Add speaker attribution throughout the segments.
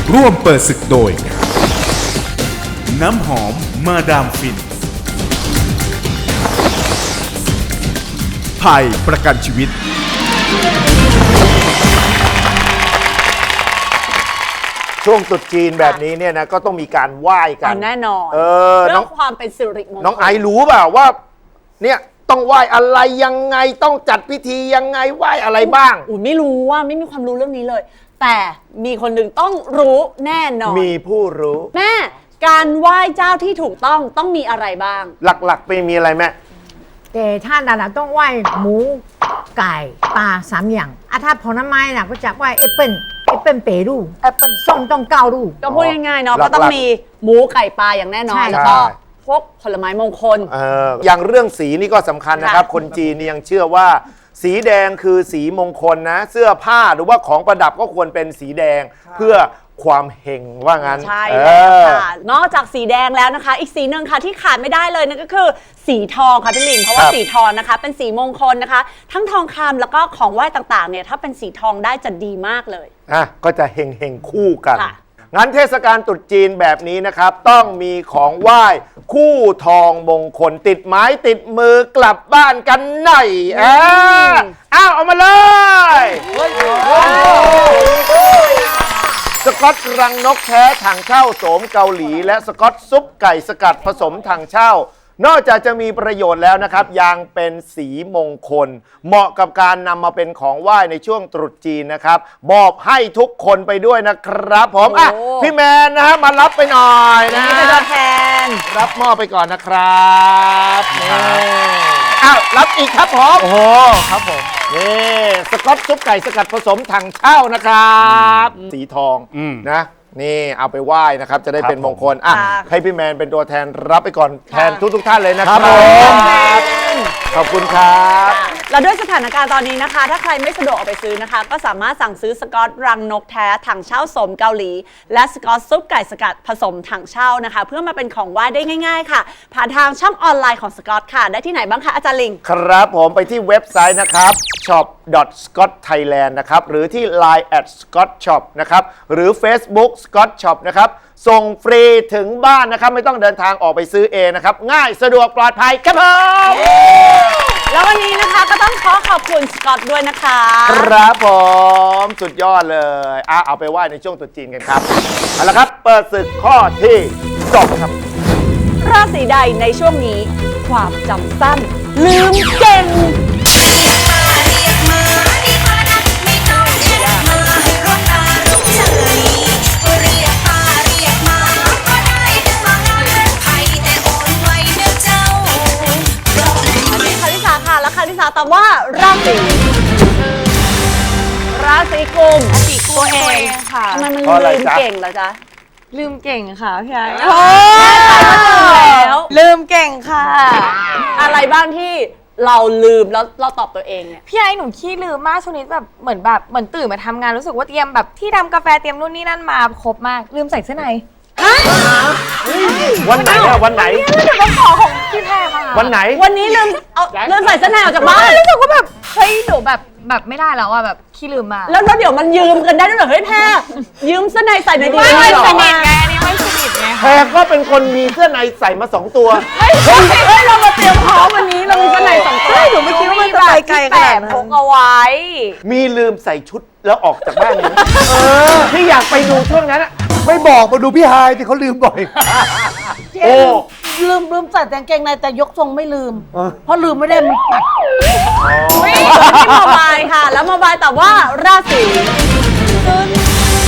Speaker 1: ร่วมเปิดศึกโดย น้ำหอมมาดามฟินไทยประกันชีวิต
Speaker 2: ช่วงตรุษจีนแบบนี้เนี่ยนะก็ต้องมีการไหว้กัน
Speaker 3: แน่นอน
Speaker 2: เ
Speaker 3: รื่องความเป็นสิริมงคล
Speaker 2: น้องไอรู้เปล่าว่าเนี่ยต้องไหว้อะไรยังไงต้องจัดพิธียังไงไหว้อะไรบ้าง
Speaker 3: ไม่รู้ว่าไม่มีความรู้เรื่องนี้เลย แต่มีคนหนึ่งต้องรู้แน่นอน
Speaker 2: มีผู้รู้
Speaker 3: แม่การไหว้เจ้าที่ถูกต้องมีอะไรบ้าง
Speaker 2: หลักๆไปมีอะไรแม่
Speaker 4: แต่ถ้าดาราต้องไหว้หมูไก่ปลา3 อย่างถ้าผลไม้น่ะก็จะไหว้แอปเปิ้ลเปรูแอปเปิ้ลส้มต้อง9 ลูก
Speaker 3: ก็พูดง่ายๆเนาะก็ต้องมีหมูไก่ปลาอย่างแน่นอนแล้วก็พวกผลไม้มงคล
Speaker 2: อย่างเรื่องสีนี่ก็สำคัญนะครับคนจีนนี่ยังเชื่อว่าสีแดงคือสีมงคลนะเสื้อผ้าหรือว่าของประดับก็ควรเป็นสีแดงเพื่อความเฮงว่างั้น
Speaker 3: ใช่แล้วค่ะนอกจากสีแดงแล้วนะคะอีกสีหนึ่งค่ะที่ขาดไม่ได้เลยนั่นก็คือสีทองค่ะพี่ลิงเพราะว่าสีทองนะคะเป็นสีมงคลนะคะทั้งทองคำแล้วก็ของไหว้ต่างๆเนี่ยถ้าเป็นสีทองได้จะดีมากเลย
Speaker 2: ก็จะเฮงคู่กันงั้นเทศกาลตรุษจีนแบบนี้นะครับต้องมีของไหว้คู่ทองมงคลติดไม้ติดมือกลับบ้านกันหน่อยเอามาเลยสก๊อตรังนกแท้ถังเช่าโสมเกาหลีและสก๊อตซุปไก่สกัดผสมถังเช่านอกจากจะมีประโยชน์แล้วนะครับยังเป็นสีมงคลเหมาะกับการนำมาเป็นของไหว้ในช่วงตรุษจีนนะครับมอบให้ทุกคนไปด้วยนะครับผมพี่แมนนะฮะมารับไปหน่อยนะ
Speaker 3: เป็นตัวแทน
Speaker 2: รับมอบไปก่อนนะครับรับอีกครับผม
Speaker 5: โอ้โหครับผม
Speaker 2: นี่สก๊อตซุปไก่สกัดผสมถังเช่านะครับสีทองนะนี่เอาไปไหว้นะครับจะได้เป็นมงคลให้พี่แมนเป็นตัวแทนรับไปก่อนแทนทุกท่านเลยนะครับขอบคุณครับ
Speaker 3: แล้วด้วยสถานการณ์ตอนนี้นะคะถ้าใครไม่สะดวกออกไปซื้อนะคะก็สามารถสั่งซื้อสก๊อตรังนกแท้ถังเช่าโสมเกาหลีและสก๊อตซุปไก่สกัดผสมถังเช่านะคะเพื่อมาเป็นของไหว้ได้ง่ายๆค่ะผ่านทางช่องออนไลน์ของสก๊อตค่ะได้ที่ไหนบ้างคะอาจารย์ลิง
Speaker 2: ครับผมไปที่เว็บไซต์นะครับ shop.scotthailand นะครับหรือที่ Line @scotshop นะครับหรือ Facebook Scott Shop นะครับส่งฟรีถึงบ้านนะครับไม่ต้องเดินทางออกไปซื้อเองนะครับง่ายสะดวกปลอดภัยครับผม
Speaker 3: แล้ววันนี้นะคะก็ต้องขอบคุณสกอตด้วยนะคะ
Speaker 2: ครับผมสุดยอดเลยเอาไปไหว้ในช่วงตรุษจีนกันครับเอาละครับเปิดศึกข้อที่2ครับ
Speaker 3: ราศีใดในช่วงนี้ความจำสั้นลืมเก่งคาริสาตอบว่าราศีกุมตัวเองค่ะทำไมมันลืมเก่งเหรอจ๊ะ
Speaker 6: ลืมเก่งค่ะพี่ไอ้
Speaker 3: โอ้แล้ว
Speaker 6: ลืมเก่งค่ะ
Speaker 3: อะไรบ้างที่เราลืมแล้วเราตอบตัวเองเนี่ย
Speaker 6: พี่ไอ้หนูขี้ลืมมากช่วงนี้แบบเหมือนตื่นมาทำงานรู้สึกว่าเตรียมแบบที่ทำกาแฟเตรียมนู่นนี่นั่นมาครบมากลืมใส่เสื้อใน
Speaker 2: วันไหนอะวันไหน
Speaker 6: เดี๋ยวต้องขอของพี่แพรมา
Speaker 2: วันไหน
Speaker 3: วันนี้ลืมใส่เสื้อในออกจากบ้าน
Speaker 6: รู้สึกว่าแบบเฮ้ยหนูแบบไม่ได้แล้วอะแบบขี้ลืมมา
Speaker 3: แล้วเดี๋ยวมันยืมกันได้ด้วยเหรอเฮ้ยแพรยืมเสื้อในใส่ในดี
Speaker 6: ไม่สนิทไงอันนี้ไม่สนิทไง
Speaker 2: แพรก็เป็นคนมีเสื้อในใส่มา2 ตัว
Speaker 3: เฮ้ยเรามาเตรียมพร้อมวันนี้เรามีเสื้อใน2 ตัว
Speaker 6: หนูไม่คิดว่ามันจะไปไกลขนาดนั้น
Speaker 3: พกเอาไว้
Speaker 2: มีลืมใส่ชุดแล้วออกจากบ้านเลยที่อยากไปดูช่วงนั้น
Speaker 5: ไม่บอกมาดูพี่ไฮที่เขาลืมบ่อย
Speaker 4: ลืมใส่แต่กางเกงในแต่ยกทรงไม่ลืมเพราะลืมไม่ได้มันปัด
Speaker 3: ที่โมบายค่ะแล้วโมบายตอบว่าราศีตุล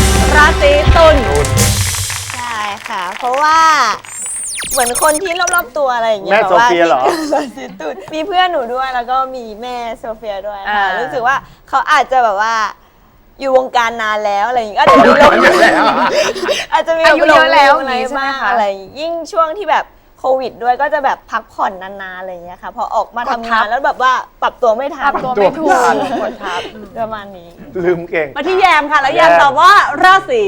Speaker 7: ใช่ค่ะเพราะว่าเหมือนคนที่รอบๆตัวอะไรอย่างเงี้ย
Speaker 2: แม่โซเฟียเหรอ
Speaker 7: ราศีตุลมีเพื่อนหนูด้วยแล้วก็มีแม่โซเฟียด้วยค่ะรู้สึกว่าเขาอาจจะแบบว่าอยู่วงการนานแล้วอะไรอย่างเงี้ยอาจจะมี
Speaker 6: อายุเยอะแล้ว
Speaker 7: อะไรบ้างอะไรยิ่งช่วงที่แบบโควิดด้วยก็จะแบบพักผ่อนนานๆอะไรอย่างเงี้ยค่ะพอออกมาทำงานแล้วแบบว่าปรับตัวไม่ทัน
Speaker 6: ปรับตัวไม่ถูก
Speaker 7: กดทับประมาณนี้
Speaker 2: ลืมเก่ง
Speaker 3: มาที่แยมค่ะแล้วแยมตอบว่าราศี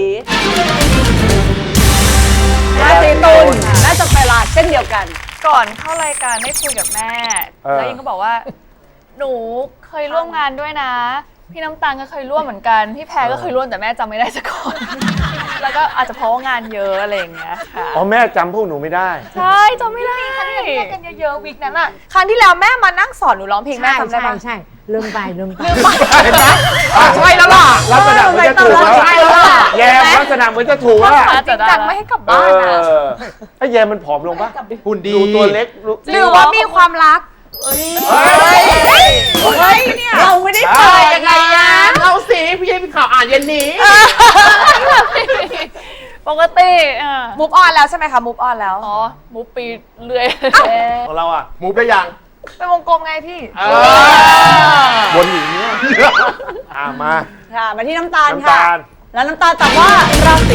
Speaker 3: ตุลน่าจะเวลาเช่นเดียวกัน
Speaker 6: ก่อนเข้ารายการได้คุยกับแม่แล้วยิงก็บอกว่าหนูเคยร่วมงานด้วยนะพี่น้ำตาลก็เคยร่วมเหมือนกันพี่แพรก็เคยร่วมแต่แม่จำไม่ได้สักคนแล้วก็อาจจะเพราะว่างานเยอะอะไรอย่างเงี้ยค่ะ
Speaker 2: อ๋อแม่จำพวกหนูไม่ได้
Speaker 6: ใช่จำไม่ได้ครั้งที่เรากันเยอะๆวิกนั้นอ่ะครั้งที่แล้วแม่มานั่งสอนหนูร้องเพลงแม่
Speaker 4: ใช่
Speaker 6: จำได้
Speaker 4: ใช่
Speaker 6: ปะ
Speaker 4: ใช่ลืมไป
Speaker 2: ใช่แล้วล่ะลักษณะเหมือนจะถูกแล้ว
Speaker 6: ใช่แล้วล่ะ
Speaker 2: แยมลักษณะเหมือนจะถูกแล้ว
Speaker 6: จริงจังไม่ให้กลับบ้านอ่ะ
Speaker 2: ไอ้แยมมันผอมลงปะ
Speaker 5: หุ่นดี
Speaker 2: ดูตัวเล็กดู
Speaker 6: หรือว่ามีความรัก
Speaker 2: เฮ้ย
Speaker 6: เนี่ย
Speaker 3: เราไม่ได้เปิดยังไงอะ
Speaker 5: เราสิพี่ให้พี่ข่าวอ่านเย็นนี้
Speaker 6: ปกติมูฟออนแล้วใช่ไหมคะมูฟออนแล้วอ๋อมูฟปีเรื่อย
Speaker 2: ของเราอะมูฟได้ยัง
Speaker 6: เป็นวงกลมไงพี่
Speaker 2: วนอยู่อย่างเนี้ยมา
Speaker 3: ค่ะมาที่น้ำตาล
Speaker 2: น้ำ
Speaker 3: ค่ะ
Speaker 2: ตาล
Speaker 3: แล้วน้ำตาลตอบว่าราศี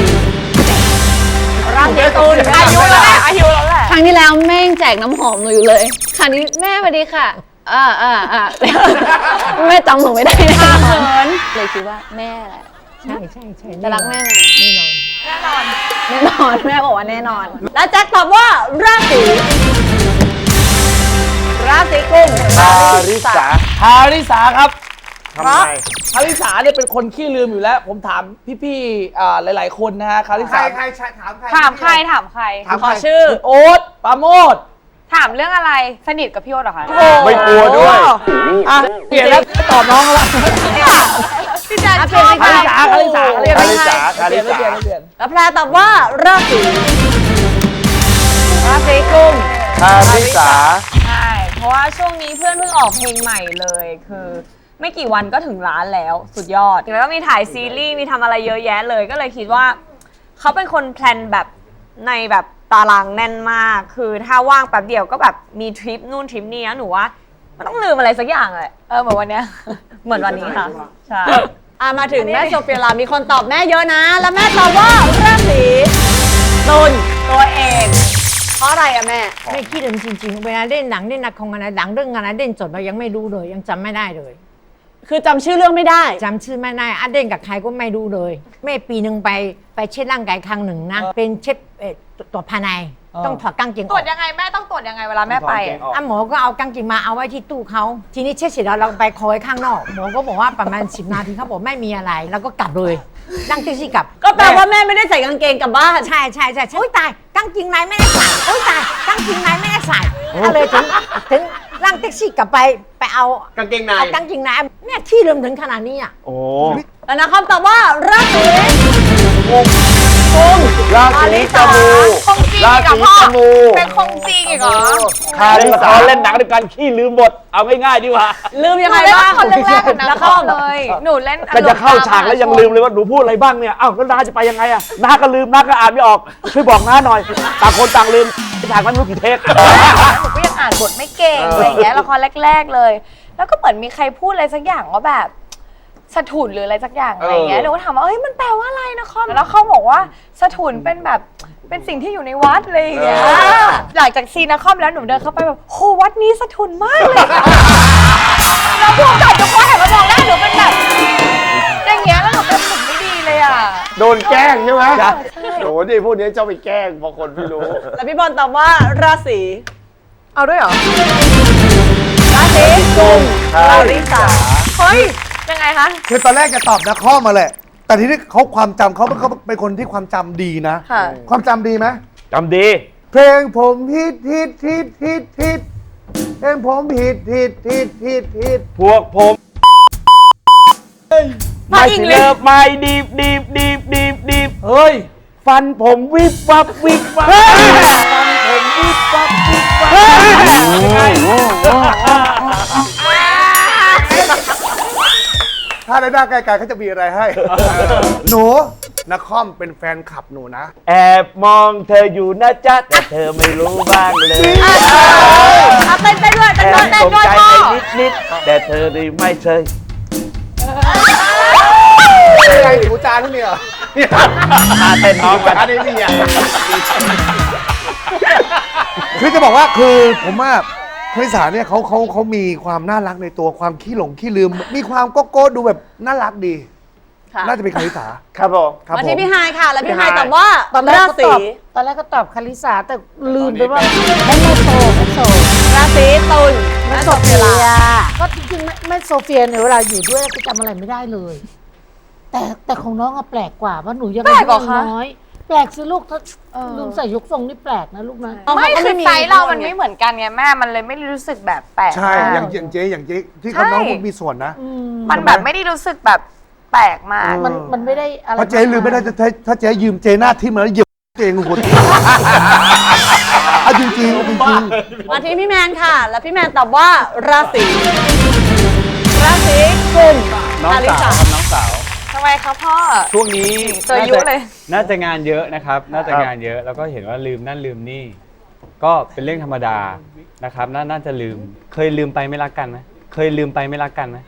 Speaker 3: ตุล
Speaker 6: อายุแล้วแหละอายุแล้วแหละ
Speaker 8: ครั้งที่แล้วแม่งแจกน้ำหอมหนูอยู่เลยครั้งนี้แม่สวัสดีค่ะแม่จำหนูไม่ได้แน่นอนเลยคิดว่าแม่แหละ
Speaker 4: ใช่ใช่ใช่
Speaker 8: จะรักแม่ไหม
Speaker 4: แน่นอน
Speaker 3: แน่นอนแม่บอกว่าแน่นอน แล้วแจ็คตอบว่าราศีกุม
Speaker 2: คาริสา
Speaker 5: ฮาริสาครับ
Speaker 2: ทำไม
Speaker 5: คาริสาเนี่ยเป็นคนขี้ลืมอยู่แล้ว ผมถามพี่ๆหลายๆคนนะฮะคาริสา
Speaker 6: ถามใครถามใคร
Speaker 3: ขอชื่อ
Speaker 5: คุณโอ๊ตปราโมท
Speaker 6: ถามเรื่องอะไรสนิทกับพี่โอ๊ตเหรอคะ
Speaker 2: ไม่กลัวด้วย
Speaker 5: อ่ะเปลี่ยนแล้วตอบน้องแล้ว
Speaker 6: พี่แจ๊ค
Speaker 3: เปลี่ยนไป
Speaker 5: คา
Speaker 3: ค่ะ
Speaker 5: ริสาเรียก
Speaker 2: คาริสา
Speaker 5: เปลี่ยนไม่เปลี่ยนไม่เปลี่ยน
Speaker 3: แล้วแพรตอบว่าราศีกุม
Speaker 2: คาริสา
Speaker 7: ใช่ เพราะว่าช่วงนี้เพื่อนเพิ่งออกเพลงใหม่เลย คือไม่กี่วันก็ถึงล้านแล้วสุดยอด แล้วก็มีถ่ายซีรีส์มีทำอะไรเยอะแยะเลย ก็เลยคิดว่าเขาเป็นคนแพลนแบบในแบบตารางแน่นมาก คือถ้าว่างแป๊บเดียวก็แบบมีทริปนู่นทริปนี้นะหนูว่ามันต้องลืมอะไรสักอย่างเลยเหมือนวันเนี้ย เหมือนวันนี้ค่ะ ใช่
Speaker 3: มาถึงแม่โซเฟียลามีคนตอบแม่เยอะนะ แล้วแม่ตอบว่าราศีตุลตัวเอง เพราะอะไรอะแม่
Speaker 4: ไม่คิดเลยจริงๆเวลาเล่นหนังเล่นละครอะไรหนังเรื่องอะไรเล่นจบเรายังไม่รู้เลยยังจำไม่ได้เลย
Speaker 3: คือจำชื่อเรื่องไม่ได้
Speaker 4: จำชื่อไม่ได้อัดเล่นกับใครก็ไม่รู้เลยแม่ปีหนึ่งไปเช็ดร่างกายครั้งหนึ่งนะเป็นเช็ดตรวจภายในต้องถอดกางเกงอ
Speaker 6: ตรว
Speaker 4: อ
Speaker 6: จ
Speaker 4: ก
Speaker 6: ยังไงแม่ต้องตรวจยังไงเวลาแม่ไป
Speaker 4: หมอก็เอากางเกงมาเอาไว้ที่ตู้เขาทีนี้เช็ดเสร็จแล้วเราไปคอยข้างนอกหมอก็บอกว่าประมาณ10 นาทีเขาบอกไม่มีอะไรแล้วก็กลับเลยนั่งแท็กซี่กลับ
Speaker 3: ก็แปลว่าแม่ไม่ได้ใส่กางเกงกลับบ้าน
Speaker 4: ใช่โอ๊ยตายกางเกงในไม่ได้ใส่โอ๊ยตายกางเกงในไม่ได้ใส่ก็เลยถึงนั่งแท็กซี่กลับไปเอา
Speaker 5: กางเกงใน
Speaker 4: เอากางเกงในเนี่ยที่ลืมถึงขนาดนี้อ่ะ
Speaker 2: โอ้
Speaker 3: แล้วนะคำตอบว่าราศี
Speaker 2: ราศีจมู
Speaker 6: คงจริง
Speaker 2: รา
Speaker 6: อีกเหรอ
Speaker 2: ศี
Speaker 6: พ่อ
Speaker 2: จมู
Speaker 6: เป็นคงจริงอีกเหรอ
Speaker 2: คาริสา
Speaker 5: เล่นหนังด้วยกันขี้ลืมบทเอาง่ายๆดีกว่า
Speaker 3: ลืมยัง
Speaker 6: ห
Speaker 3: ไง
Speaker 6: นูเล่น
Speaker 3: บ้าง
Speaker 6: ละครเรื่องแรกกับนัก
Speaker 3: แล้ว
Speaker 6: คอ
Speaker 3: ก็
Speaker 6: มเลย หนูเล่น
Speaker 5: ก็จะเข้าฉากแล้วยังลืมเลยว่าหนูพูดอะไรบ้างเนี่ยอ้าวแล้วน้าจะไปยังไงอะน้าก็ลืมน้าก็อ่านไม่ออกช่วยบอกน้าหน่อยต่างคนต่างลืมฉากนั้นไม่รู้กี่เทค
Speaker 6: หนูก็ยังอ่านบทไม่เก่งอะไรอย่างเงี้ยละครแรก ๆเลย แล้วก็เหมือนมีใครพูดอะไรสักอย่างว่าแบบสถุนหรืออะไรสักอย่างอะไรอย่างเงี้ยหนูก็ถามว่าเอ้ยมันแปลว่าอะไรนะคอมแล้วเขาบอกว่าสถุนเป็นแบบเป็นสิ่งที่อยู่ในวัดอะไรอย่างเงี้ยหลังจากซีนนะคอมแล้วหนูเดินเข้าไปแบบโหวัดนี้สถุนมากเลยแล้วพวกจับทุกคนหันมามองหน้าหนูเป็นแบบอย่างเงี้ยแล้วหนูเป็นผมไม่ดีเลยอ่ะ
Speaker 2: โดนแกล้งใช่ไหมโอ้ดิพวกนี้เจ้าไปแกล้งบางคนไม่รู้
Speaker 3: แล้วพี่บอลตอบว่าราศี
Speaker 6: เอาด้วยเหรอ
Speaker 3: ราศีกุม
Speaker 2: คา
Speaker 3: รา
Speaker 2: ริ
Speaker 3: ศี
Speaker 2: สา
Speaker 6: เฮ้ยยังไงคะ
Speaker 5: คือตอนแรกจะตอบนะข้อมาแหละ แต่ทีนี้เขาความจำเขาเป็นคนที่ความจำดีนะ
Speaker 6: ค่ะ
Speaker 5: ความจำดีไหม
Speaker 2: จำดี
Speaker 5: เพลงผมฮิตเพลงผมฮิต
Speaker 2: พวกผม
Speaker 6: มาอีกเลย
Speaker 2: เลิฟไม่ดีบ
Speaker 5: เฮ้ย
Speaker 2: ฟันผมวิบวับฟันผมวิบวับ
Speaker 5: ถ้าในหน้าไกลๆเขาจะมีอะไรให้ หนูนักคอมเป็นแฟนคลับหนูนะ
Speaker 2: แอบมองเธออยู่นะจ๊ะแต่เธอไม่รู้บ้างเลย
Speaker 3: เต้นด้วย
Speaker 2: แอบสนใจ
Speaker 3: พ่อ
Speaker 2: ไปนิดแต่เธอนี่ไม่เคย
Speaker 5: อะไรหนูจานที่นี่เหรอ
Speaker 2: เต้นน้องไป
Speaker 5: อันนี้นี่อ่ะคือจะบอกว่าคือผมว่าคริสาเนี่ยเขามีความน่ารักในตัวความขี้หลงขี้ลืม มีความโก้ดูแบบน่ารักดี
Speaker 3: ค่ะ
Speaker 5: น่าจะเป็นคริสา
Speaker 2: ครับผม
Speaker 5: ครับ
Speaker 3: มา
Speaker 5: ผ
Speaker 3: ที่
Speaker 5: ม
Speaker 3: พี่ไฮายค่ะ แล้วพี่ไฮาย
Speaker 2: พี่ไฮาย
Speaker 3: ตอบว่าราศี
Speaker 4: ตอนแรกก็ตอบคาริสาแต่ลืมไปว่าแม่โซ
Speaker 3: ราศีตุลแม่โซเฟียลา
Speaker 4: ก็จริงๆแม่โซเฟียเนี่ยเวลาอยู่ด้วยก็จำอะไรไม่ได้เลย แต่
Speaker 9: แต่ของน้องอะแปลกกว่าว่าหนูยัง
Speaker 6: แปลกเหรอคะ
Speaker 9: น้อยแปลกสิลูกถ้าลุงใส่ยกทรงนี่แปลกนะลูกนะ
Speaker 6: ไม่คือไซส์เรามันไม่เหมือนกันไงแม่มันเลยไม่รู้สึกแบบแปลก
Speaker 5: ใช่
Speaker 6: มาก
Speaker 5: อย่างเจ๊ที่เขาน้องพูดมีส่วนนะ
Speaker 6: มันแบบไม่ได้รู้สึกแบบแปลกมาก
Speaker 9: มันไม่ได้อะไร
Speaker 5: เพราะเจ๊ลืมไม่ได้ถ้าเจ๊ยืมเจ๊หน้าทิ่มแล้วเหยียบเจ๊งหัวเอาจริงๆ
Speaker 3: มาที่พี่แมนค่ะ แล้วพี่แมนตอบว่าราศีกุม
Speaker 10: น้อง
Speaker 3: อลิ
Speaker 10: สาว
Speaker 3: สา
Speaker 10: ครับน้องสาว
Speaker 6: ทำไมคะพ่อ
Speaker 10: ช่วงนี้
Speaker 6: เจอยุเลย
Speaker 10: น่าจะงานเยอะนะครับ น่าจะงานเยอะแล้วก็เห็นว่าลืมนั่นลืมนี่ ก็เป็นเรื่องธรรมดานะครับน่าจะลืม เคยลืมไปไม่รักกันไหมเคยลืมไปไม่รักกันไหม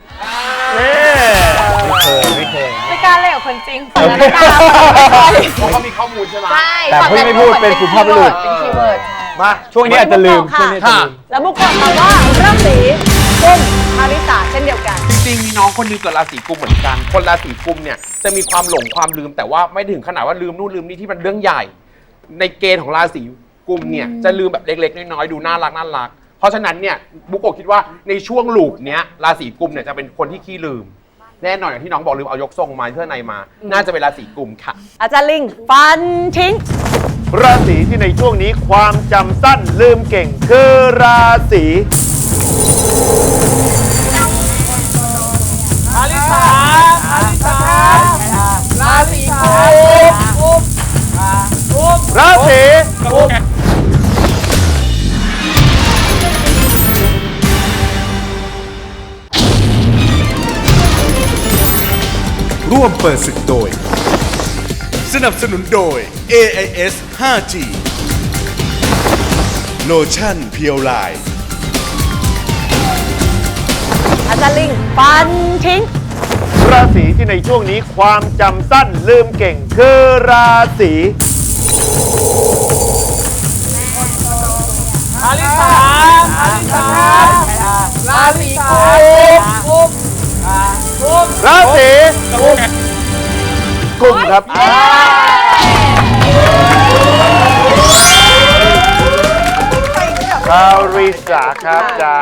Speaker 10: ไม่เคย
Speaker 6: ไม่กล้าเล่นกับคนจริงฝั่งนั้น
Speaker 10: โอเค
Speaker 6: ไม่กล้าเพราะ
Speaker 2: เขามีข้อมูลใช่ไหม
Speaker 6: ใช่
Speaker 10: แต่พูดไม่พูดเป็นสุภาพบุรุษ
Speaker 6: เป็นคีย์เวิร์ด
Speaker 2: มา
Speaker 10: ช่วงนี้อาจจะลืม
Speaker 3: ค่ะ
Speaker 10: ช่วงนี้อาจจะลืม
Speaker 3: แล้วบุกบอกมาว่าราศีกุมอลิสาเช่นเดียวกัน
Speaker 11: จริงๆมีน้องคนหนึงเกิดราศีกุมเหมือนกัน คนราศีกุมเนี่ยจะมีความหลงความลืมแต่ว่าไม่ถึงขนาดว่าลืมนู่นลืมนี่ที่มันเรื่องใหญ่ ในเกณฑ์ของราศีกุมเนี่ยจะลืมแบบเล็กๆน้อยๆดูน่ารักเพราะฉะนั้นเนี่ยบุกโกะคิดว่าในช่วงลูปเนี้ยราศีกุมเนี่ยจะเป็นคนที่ขี้ลืม แน่นอนอย่างที่น้องบอกลืมเอายกทรงมาเพื่อในมา น่าจะเป็นราศีกุมค่ะ
Speaker 3: อาจารย์ลิงฟันทิ้ง
Speaker 2: ราศีที่ในช่วงนี้ความจำสั้นลืมเก่งคือราศีราศีกุม
Speaker 1: ร่วมเปิดศึกโดย สนับสนุนโดย AIS 5G โลชั่นเพียวไลน์
Speaker 3: อาจารย์ลิงฟันทิ้ง
Speaker 2: ราศีที่ในช่วงนี้ความจำสั้นลืมเก่งคือราศีราศีกุมครับชาวริษาครับจา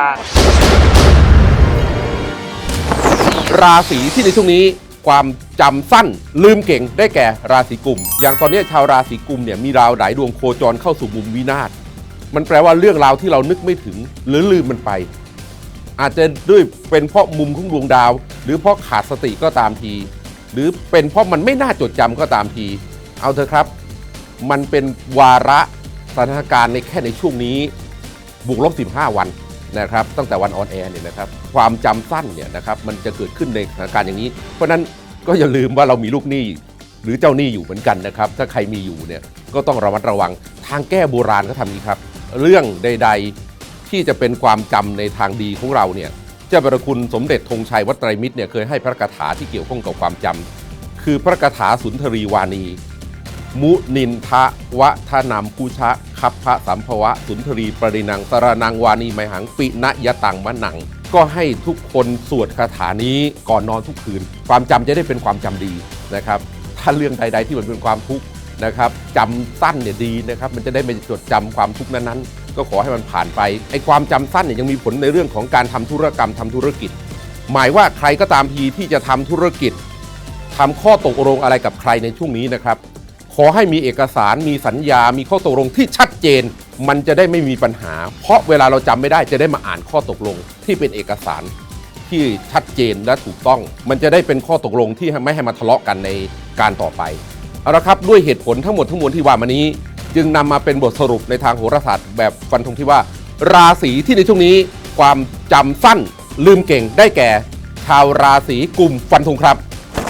Speaker 11: ราศีที่ในช่วงนี้ความจำสั้นลืมเก่งได้แก่ราศีกุมอย่างตอนนี้ชาวราศีกุมเนี่ยมีดาวหลายดวงโคจรเข้าสู่มุมวินาศมันแปลว่าเรื่องราวที่เรานึกไม่ถึงหรือลืมมันไป อาจจะด้วยเป็นเพราะมุมของดวงดาว หรือเพราะขาดสติก็ตามที หรือเป็นเพราะมันไม่น่าจดจำก็ตามทีเอาเถอะครับมันเป็นวาระสถานการณ์ในแค่ในช่วงนี้บวกลบ15 วันนะครับตั้งแต่วันออนแอร์เนี่ยนะครับความจำสั้นเนี่ยนะครับมันจะเกิดขึ้นในสถานการณ์อย่างนี้เพราะนั้นก็อย่าลืมว่าเรามีลูกหนี้หรือเจ้าหนี้อยู่เหมือนกันนะครับถ้าใครมีอยู่เนี่ยก็ต้องระมัดระวังทางแก้โบราณเขาทำนี้ครับเรื่องใดๆที่จะเป็นความจำในทางดีของเราเนี่ยเจ้าประคุณสมเด็จธงชัยวัดไตรมิตรเนี่ยเคยให้พระคาถาที่เกี่ยวข้องกับความจำคือพระคาถาสุนทรีวานีมุนินทะวะทนามภูชะคัพพะสัมภวะสุนทรีปรินังสรนังวานีไมหังปิณยตังมะนังก็ให้ทุกคนสวดคาถานี้ก่อนนอนทุกคืนความจำจะได้เป็นความจำดีนะครับถ้าเรื่องใดๆที่มันเป็นความทุกข์นะครับจำสั้นเนี่ยดีนะครับมันจะได้ไม่จดจำความทุกข์นั้นๆก็ขอให้มันผ่านไปไอ้ความจำสั้นเนี่ยยังมีผลในเรื่องของการทำธุรกรรมทำธุรกิจหมายว่าใครก็ตามทีที่จะทำธุรกิจทำข้อตกลงอะไรกับใครในช่วงนี้นะครับขอให้มีเอกสารมีสัญญามีข้อตกลงที่ชัดเจนมันจะได้ไม่มีปัญหาเพราะเวลาเราจำไม่ได้จะได้มาอ่านข้อตกลงที่เป็นเอกสารที่ชัดเจนและถูกต้องมันจะได้เป็นข้อตกลงที่ไม่ให้มาทะเลาะกันในการต่อไปเอาละครับด้วยเหตุผลทั้งหมดทั้งมวลที่ว่ามานี้จึงนำมาเป็นบทสรุปในทางโหราศาสตร์แบบฟันธงที่ว่าราศีที่ในช่วงนี้ความจำสั้นลืมเก่งได้แก่ชาวราศีกุมฟันธงครับ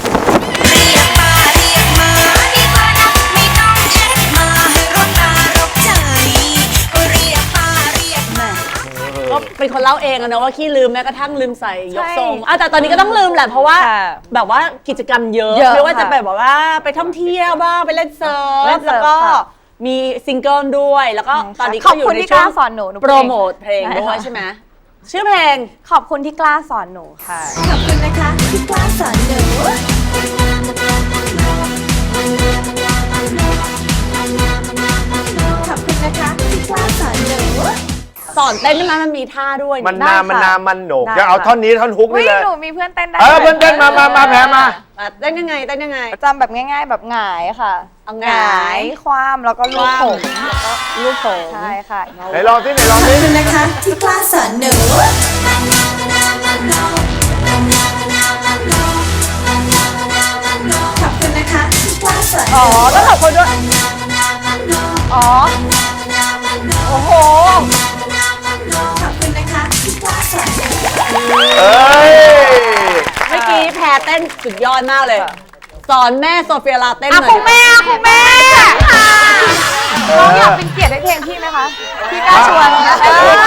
Speaker 3: ก็เป็นคนเล่าเองอะนะว่าขี้ลืมแม้กระทั่งลืมใส่ยกทรง
Speaker 6: ใช่
Speaker 3: แต่ตอนนี้ก็ต้องลืมแหละเพราะว่า
Speaker 6: ค่ะ
Speaker 3: แบบว่ากิจกรรมเยอะ
Speaker 6: เยอะ
Speaker 3: ไม่ว่าจะ
Speaker 6: ค่ะ
Speaker 3: แบบว่าไปท่องเที่ยวบ้างไปเล่นเซิร์
Speaker 6: เล่
Speaker 3: ฟ
Speaker 6: นเซิร์ฟ
Speaker 3: แล้วก็
Speaker 6: ค่ะ
Speaker 3: มีซิงเกิลด้วยแล้วก็ตอนนี้
Speaker 6: ข
Speaker 3: ก็
Speaker 6: อบ
Speaker 3: อยู่
Speaker 6: คุณ
Speaker 3: ใน
Speaker 6: ที่
Speaker 3: ช่วง
Speaker 6: กล้าสอนหนู
Speaker 3: โปรโมทเพลงด้วยใช่ไหมชื่อเพลง
Speaker 6: ขอบคุณที่กล้าสอนหนูค่ะ
Speaker 12: ขอบคุณนะคะที่กล้าสอนหนูขอบคุณนะคะที่กล้าสอนหนู
Speaker 3: สอนเต้นได้ไหมมันมีท่าด้วย
Speaker 2: มัน
Speaker 3: ได้
Speaker 2: มันโหนก
Speaker 6: ได้
Speaker 2: จะเอา
Speaker 6: ค่ะ
Speaker 2: ท่อนนี้ท่อนฮุก
Speaker 6: อุ๊
Speaker 2: นี่
Speaker 6: ย
Speaker 2: เลย
Speaker 6: หนูมีเพื่อนเต้นได้
Speaker 2: เพื่อนเต้นมาแพ้มา
Speaker 3: เต้นยังไงเต้นยังไง
Speaker 6: จำแบบง่ายๆแบบหงายค่ะ
Speaker 3: เอา
Speaker 6: ห
Speaker 3: หงาง
Speaker 6: าย ยคว่ำแล้วก็ลูบผม
Speaker 3: ลูกผม
Speaker 6: ใช่ค่ะ
Speaker 2: ไหนลองสิไหนลอง
Speaker 12: ขอบ
Speaker 2: สิ
Speaker 12: คุณนะคะที่กล้าสอนหนู ขอบคุณนะคะที่กล้าสอนห
Speaker 3: อ๋อ
Speaker 12: นู
Speaker 3: ต้องขอบคุณด้วย
Speaker 6: อ๋อ โอ้โห
Speaker 12: ขอบคุณนะคะที่กล้าสอนหนู
Speaker 2: เอ้ย
Speaker 3: เมื่อกี้แพรเต้นสุดยอดมากเลย สอนแม่โซเฟียลาเต้น
Speaker 6: อ่ะ
Speaker 3: หน่อย
Speaker 6: คุณแม่คุณแม่น้องอยากเป็นเกียรติให้เพลงพี่ไหมคะ พี่กล้าชวนนะ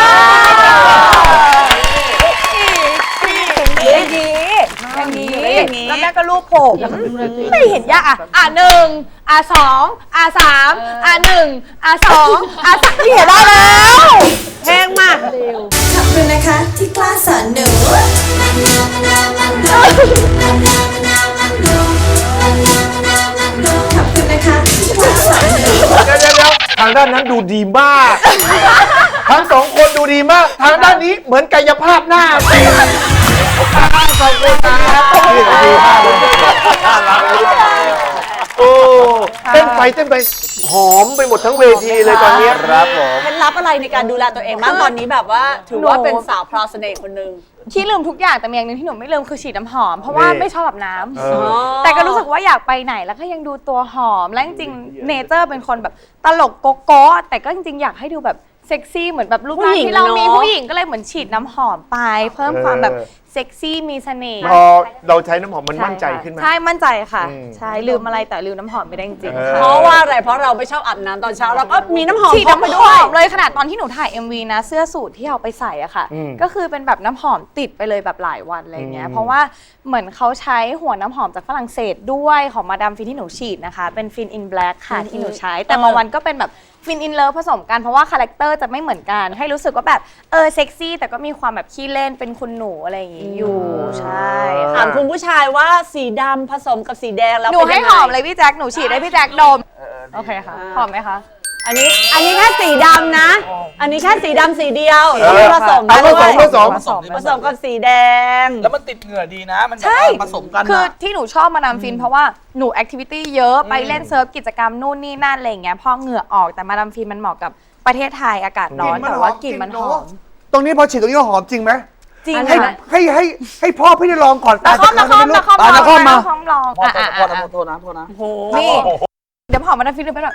Speaker 6: ดีอย่างนี้แล้วแม่ก็รูปผมไม่เห็นยากอ่ะ1 2 3 1 2 3พี่เห็นได้แล้วเพลงมา
Speaker 12: ขอบคุณนะคะที่กล้าสอนหนู ขอบคุณนะคะที่กล้าสอนหนู
Speaker 2: เดี๋ยวทางด้านนั้นดูดีมาก ทั้งสองคนดูดีมาก ทางด้านนี้เหมือนกายภาพหน้าสองคนนะครับดีมากเลยโอ้เต้นไปหอมไปหมดทั้งเวทีเลยตอนนี้ครับผม
Speaker 3: เคล็ดลับอะไรในการดูแลตัวเองบ้างตอนนี้แบบว่าถือว่าเป็นสาวพราวเสน่ห์คนหนึ่ง
Speaker 6: ที่ลืมทุกอย่างแต่มีอย่างหนึงที่หนูไม่ลืมคือฉีดน้ำหอมเพราะว่า
Speaker 2: นี่
Speaker 6: ไม่ชอบอาบน้ำ
Speaker 2: เออ
Speaker 6: แต่ก็รู้สึกว่าอยากไปไหนแล้วก็ยังดูตัวหอมและจริงๆเนเจอร์เป็นคนแบบตลกโก๊ะแต่ก็จริงๆอยากให้ดูแบบเซ็กซี่เหมือนแบบรูปร่างที่เรามีผู้หญิงก็เลยเหมือนฉีดน้ำหอมไป เพิ่มความแบบเซ็กซี่มีเสน่ห์
Speaker 2: พอเราใช้น้ำหอมมันมั่นใจขึ้นไหม
Speaker 6: ใช่มั่นใจค่ะ
Speaker 2: อืม
Speaker 6: ใช่ลืมอะไรแต่ลืมน้ำหอมไม่ได้จริงๆ
Speaker 2: เออ
Speaker 6: ค่ะ
Speaker 3: เพราะว่าอะไรเพราะเราไม่ชอบอาบน้ำตอนเช้าเราก็มีน้ำหอม
Speaker 6: ฉีด
Speaker 3: พกไป
Speaker 6: น้ำห
Speaker 3: ด้ว
Speaker 6: อย มเลยขนาดตอนที่หนูถ่าย MV นะเสื้อสูทที่เอาไปใส่อะค่ะ
Speaker 2: อืม
Speaker 6: ก็คือเป็นแบบน้ำหอมติดไปเลยแบบหลายวันอะไรเงี้
Speaker 2: อื
Speaker 6: ย
Speaker 2: ม
Speaker 6: เพราะว่าเหมือนเขาใช้หัวน้ำหอมจากฝรั่งเศสด้วยของมาดามฟินที่หนูฉีดนะคะเป็นฟินอินแบล็กค่ะที่หนูใช้แต่บางวันก็เป็นแบบฟินอินเลิฟผสมกันเพราะว่าคาแรคเตอร์จะไม่เหมือนกันให้รู้สึกว่าแบบเซ็กซี่แต่ก็มีความแบบขี้เล่นเป็นคุณหนูอะไรอย่างงี้อยู่ใช่
Speaker 3: ถามคุณผู้ชายว่าสีดำผสมกับสีแดงแล้ว
Speaker 6: หนู
Speaker 3: เป็น
Speaker 6: ให้
Speaker 3: ยัง
Speaker 6: ห
Speaker 3: ไง
Speaker 6: อมเลยพี่แจ็คหนูฉีดให้พี่แจ็คดมโอเคค่ะหอมไหมคะ
Speaker 3: อันนี้แค่สีดำนะ อันนี้แค่สีดำสีเดียว
Speaker 2: เออ
Speaker 3: ผสม
Speaker 2: เอา
Speaker 3: ด้วย
Speaker 2: ผสม
Speaker 3: ผสมกับสีแดง
Speaker 13: แล้วมันติดเหงื่อดีนะ มันแบบ
Speaker 6: ใช่
Speaker 13: ว่าผสมกัน
Speaker 6: คือ
Speaker 13: อะ
Speaker 6: ที่หนูชอบมาดามฟินเพราะว่าหนูแอคทิวิตี้เยอะไปเล่นเซิร์ฟกิจกรรมนู่นนี่นั่นอะไรอย่างเงี้ยพอเหงื่อออกแต่มาดามฟินมันเหมาะกับประเทศไทยอากาศร้อนแต่ว่ากลิ่นมันหอม
Speaker 5: ตรงนี้พอฉีดตรงนี้หอมจริงไหม
Speaker 6: จริง
Speaker 5: ให้
Speaker 6: ค่ะ
Speaker 5: ให้พ่อพี่ได้ลองก่อน
Speaker 6: นาคอม
Speaker 5: ตาจะ
Speaker 6: ลอง
Speaker 5: นาคอมมา
Speaker 6: นาคอมลอง
Speaker 13: พอโทษนะ
Speaker 6: นี่เดี๋ยวหอมมาดามฟินดูไปแบบ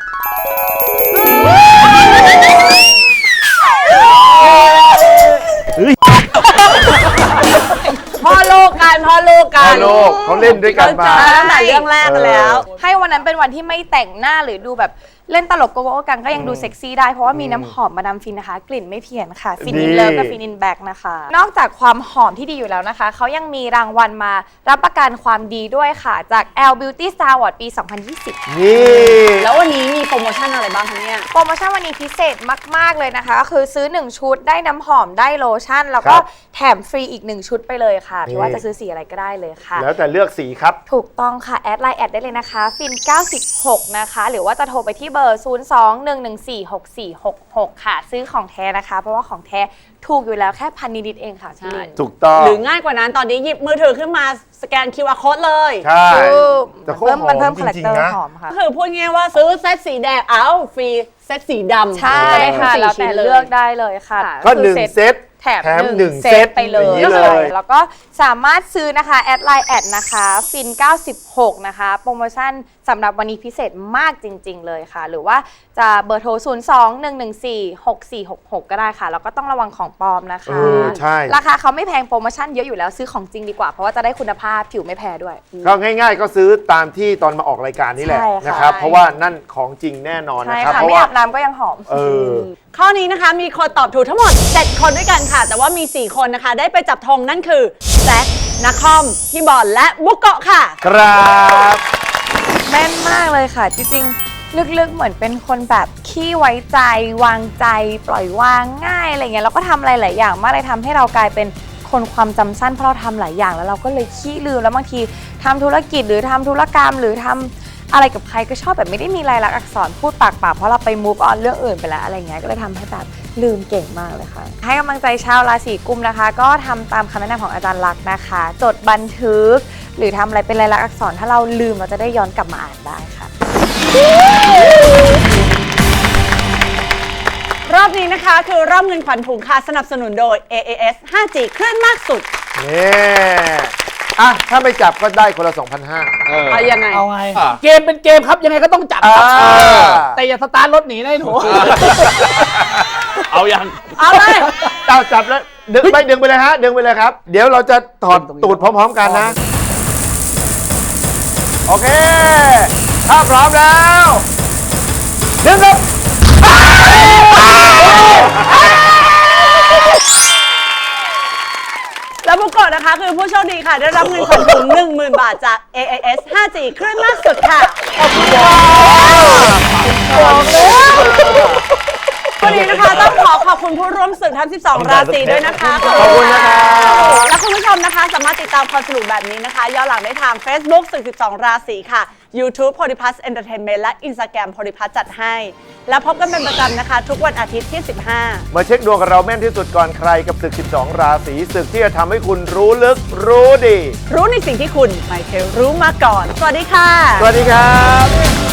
Speaker 3: พ่อลูกกันพ่อลูกกัน
Speaker 2: พ่อลูกเขาเล่นด้วยกันมา
Speaker 3: ตั้งแต่เรื่องแรกแล้ว
Speaker 6: ให้วันนั้นเป็นวันที่ไม่แต่งหน้าหรือดูแบบเล่นตลกโกโก้กันก็ยังดูเซ็กซี่ได้เพราะว่ามีน้ำหอมมาดามฟินนะคะ กลิ่นไม่เพี้ยนค่ะฟินอินเลิฟกับฟินอินแบ็กนะคะ นอกจากความหอมที่ดีอยู่แล้วนะคะเขายังมีรางวัลมารับประกันความดีด้วยค่ะจาก L Beauty Star Award ปี 2020
Speaker 2: นี่
Speaker 3: แล้ววันนี้มีโปรโมชั่นอะไรบ้างคะเนี่ย
Speaker 6: โปรโมชั่นวันนี้พิเศษมาก ๆ เลยนะคะ ก็คือซื้อ 1 ชุดได้น้ำหอมได้โลชั่น แล้วก็แถมฟรีอีก 1 ชุดไปเลยค่ะพี่ว่าจะซื้อสีอะไรก็ได้เลยค่ะ
Speaker 2: แล้วแต่เลือกสีครับ
Speaker 6: ถูกต้องค่ะ แอดไลน์แอดได้เลยนะคะ ฟิน 96 นะคะ หรือว่าจะโทรไปที่เบอร์ 02-114-6466 ค่ะ ซื้อของแท้นะคะ เพราะว่าของแท้ถูกอยู่แล้วแค่1,000 นิดๆเองค่ะพี่
Speaker 2: ถูกต้อง
Speaker 3: หรือง่ายกว่านั้นตอนนี้หยิบมือถือขึ้นมาสแกน QR code เลย
Speaker 2: ใช่ แต่เขาหอม
Speaker 6: มันเพิ่ม
Speaker 2: จ
Speaker 6: คาแรค
Speaker 2: ริง
Speaker 6: เตอ
Speaker 2: ๆ
Speaker 6: ร์
Speaker 2: นะ
Speaker 6: หอมค่ะ
Speaker 3: ก็คือพูดง่ายๆว่าซื้อเซตสีแดงเอาฟรีเซตสีดำ
Speaker 6: ใช่ค่ะ
Speaker 3: สี่
Speaker 6: แล้ว
Speaker 3: ชิ้
Speaker 6: แต่
Speaker 3: น
Speaker 6: เลือกได้เลยค่ะ
Speaker 2: ก็
Speaker 6: คือ
Speaker 2: 1 เซต
Speaker 6: แถม
Speaker 2: หนึ่ง
Speaker 6: 1
Speaker 2: เซ
Speaker 6: เซ
Speaker 2: ต
Speaker 6: ตไปเลย
Speaker 2: อย่างนี้เลย
Speaker 6: แล้วก็สามารถซื้อนะคะแอดไลน์แอดนะคะฟิน 96 นะคะ โปรโมชั่นสำหรับวันนี้พิเศษมากจริง ๆ เลยค่ะ หรือว่าจะเบอร์โทร 02-114-6466 ก็ได้ค่ะ แล้วก็ต้องระวังของปลอมนะคะ
Speaker 2: ใช่
Speaker 6: ราคาเขาไม่แพงโปรโมชั่นเยอะอยู่แล้วซื้อของจริงดีกว่า เพราะว่าจะได้คุณภาพผิวไม่แพ้ด้วย
Speaker 2: ก็ง่ายๆ ก็ซื้อตามที่ตอนมาออกรายการนี่แหละ
Speaker 6: ใช่ค่ะ
Speaker 2: นะครับ เพราะว่านั่นของจริงแน่นอน
Speaker 6: ใช่
Speaker 2: นะครับ
Speaker 6: ค่ะ
Speaker 2: เพราะ
Speaker 6: ไม่
Speaker 2: ว่า
Speaker 6: อาบน้ำก็ยังหอม
Speaker 3: ข้อนี้นะคะมีคนตอบถูกทั้งหมด 7 คนด้วยกันค่ะ แต่ว่ามี 4 คนนะคะ ได้ไปจับธงนั่นคือแซคนัคอมพี่บอลและบุกเกาะค่ะ
Speaker 2: ครับ
Speaker 6: แม่นมากเลยค่ะ จริงๆ ลึกๆ เหมือนเป็นคนแบบขี้ไว้ใจ วางใจ ปล่อยวางง่ายอะไรเงี้ยแล้วก็ทำอะไรหลายอย่างมากเลยทำให้เรากลายเป็นคนความจำสั้นเพราะเราทำหลายอย่างแล้วเราก็เลยขี้ลืมแล้วบางทีทำธุรกิจหรือทำธุรกรรมหรือทำอะไรกับใครก็ชอบแบบไม่ได้มีลายลักษณ์อักษรพูดปากเปล่าเพราะเราไป move on เรื่องอื่นไปแล้วอะไรเงี้ยก็เลยทำให้แบบลืมเก่งมากเลยค่ะให้กำลังใจชาวราศีกุมนะคะก็ทำตามคำแนะนำของอาจารย์ลักษณ์นะคะจดบันทึกหรือทำอะไรเป็นลายลักษณ์อักษรถ้าเราลืมเราจะได้ย้อนกลับมาอ่านได้ค่ะ
Speaker 3: รอบนี้นะคะคือรอบเงินขวัญถุงค่ะสนับสนุนโดย AAS 5G คลื่นมากสุด
Speaker 2: นี่อ่ะถ้าไม่จับก็ได้คนละ 2,500
Speaker 3: เอายังไง
Speaker 13: เอาไง เกมเป็นเกมครับยังไงก็ต้องจับครับแต่อย่าสตาร์ทรถหนีนะหนู
Speaker 11: เอายัง
Speaker 3: เอาเลย
Speaker 2: เอาจับแล้วดึงไปเลยฮะดึงไปเลยครับ เดี๋ยวเราจะถอดตูดพร้อมๆกันนะ โอเค ถ้าพร้อมแล้วดึงครับ
Speaker 3: แล้วบุกโกะนะคะคือผู้โชคดีค่ะ ได้รับเงินขวัญถุง 10,000 บาทจาก AAS 5G คลื่นมากสุดค่ะ ขอบคุณค่ะวันนี้นะคะต้องขอบคุณผู้ร่วมศึกทั้ง 12 ราศีด้วยนะคะ
Speaker 2: ขอบคุณนะครับ
Speaker 3: และคุณผู้ชมนะคะสามารถติดตามความสนุกแบบนี้นะคะย้อนหลังได้ทาง Facebook ศึก 12 ราศีค่ะ YouTube Polyplus Entertainment และ Instagram Polyplus จัดให้ แล้วพบกันเป็นประจำนะคะ ทุกวันอาทิตย์ที่ 15
Speaker 2: มาเช็คดวงกับเราแม่นที่สุดก่อนใครกับศึก 12 ราศีศึกที่จะทำให้คุณรู้ลึกรู้ดี
Speaker 3: รู้ในสิ่งที่คุณไม่เคยรู้มาก่อน สวัสดีค่ะ
Speaker 2: สวัสดีครับ